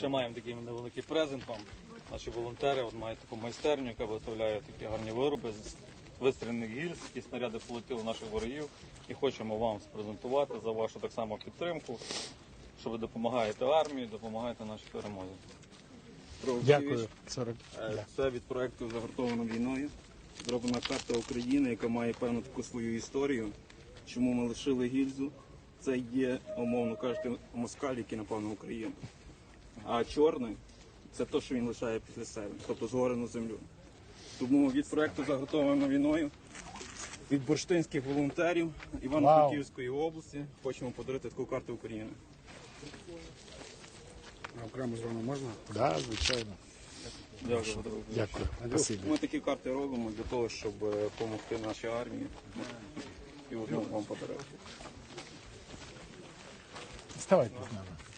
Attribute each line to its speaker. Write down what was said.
Speaker 1: Ще маємо такий невеликий презент вам. Наші волонтери мають таку майстерню, яка виготовляє такі гарні вироби з вистріляних гільз, які снаряди полетіли наших ворогів. І хочемо вам спрезентувати за вашу так само підтримку, що ви допомагаєте армії, допомагаєте нашій перемозі.
Speaker 2: Дякую.
Speaker 1: Це від проєкту «Загартовано війною». Зроблена карта України, яка має певну таку свою історію. Чому ми лишили гільзу? Це є, умовно кажучи, москаль, який напав на Україну. А чорний – це те, що він лишає після себе, тобто згорену землю. Тому від проєкту «Загартовано війною», від бурштинських волонтерів Івано-Франківської області хочемо подарувати таку карту України.
Speaker 2: А окремо з вами можна? Так, да, звичайно.
Speaker 1: Дякую.
Speaker 2: Дякую. Спасибі.
Speaker 1: Ми такі карти робимо для того, щоб допомогти нашій армії. І одну вам подарувати.
Speaker 2: Ставайте з нами.